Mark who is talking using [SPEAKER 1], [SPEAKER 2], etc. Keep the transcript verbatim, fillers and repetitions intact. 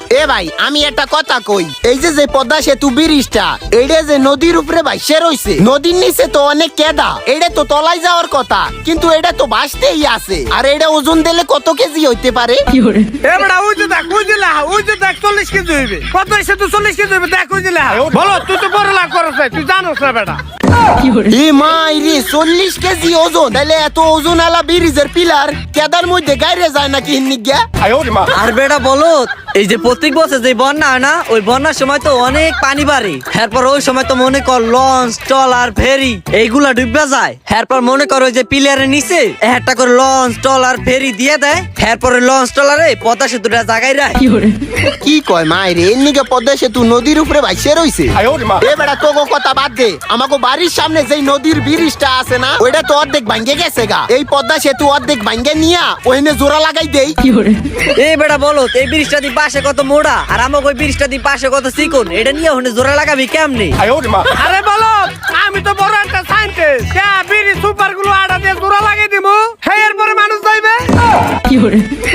[SPEAKER 1] এ ভাই আমি একটা কথা কই, এই যে যে পদ্মা সেতু ব্রিজটা এইটা যে নদীর উপরে ভাইসে রইছে, নদীর নিচে তো অনেক কেদা, এটা তো তলায় যাওয়ার কথা, কিন্তু এটা তো ভাসতেই আছে। আর এটা ওজন দিলে কত কেজি হইতে পারে?
[SPEAKER 2] এবারে ওই যে দেখ ওই যে লেহা ওই যে দেখ চল্লিশ কেজি হইবে। কত এসে তুই চল্লিশ কেজি হইবে দেখ ওই যে লেহা। বলো তুই তো বড় লাভ করছ তুই জানোস না বেটা।
[SPEAKER 1] এ মাই রে চল্লিশ কেজি ওজন, তাহলে এত ওজন আলা ব্রিজের পিলার কেদার মধ্যে গাইরে যায় নাকি হিন্নিগা?
[SPEAKER 3] আর বেটা বলো, এই যে প্রত্যেক বছর যে বন্যা হয় না, ওই বন্যার সময় তো অনেক পানি বাড়ে। এরপর ওই সময় তো মনে কর লঞ্চ ট্রলার ফেরি এইগুলা ডুববা যায়। এরপর মনে কর ওই যে পিলারের নিচে একটা করে লঞ্চ ট্রলার ফেরি দিয়ে দেয়। এরপরে লঞ্চ ট্রলারে পদ্মা সেতুটা জাগাই রায়।
[SPEAKER 1] কি কয় মাই রে, এমনিকে পদ্মা সেতু নদীর উপরে ভাইসে রইছে। এ বেটা তোগো কথা বাদ দে, আমাকে বাড়ির সামনে যেই নদীর ব্রিজটা আছে না, ওইটা তো অর্ধেক ভাঙ্গে গেছে গা। এই পদ্মা সেতু অর্ধেক ভাঙ্গে নিয়া ওইনে জোড়া লাগাই দেই।
[SPEAKER 3] এই বেটা বলো, এই ব্রিজটা দি পাশে কত মোড়া আর আমাকে ওই ব্রিজটা দি পাশে কত চিকন, এটা নিয়ে ওখানে জোড়া লাগাবি কেমনে?
[SPEAKER 2] আরে বলো আমি তো বড় একটা সাইন্টিস্ট, বিড়ি সুপার গুলো আড়া দিয়ে জোড়া লাগিয়ে দিমু, এরপরে মানুষ যাইবে।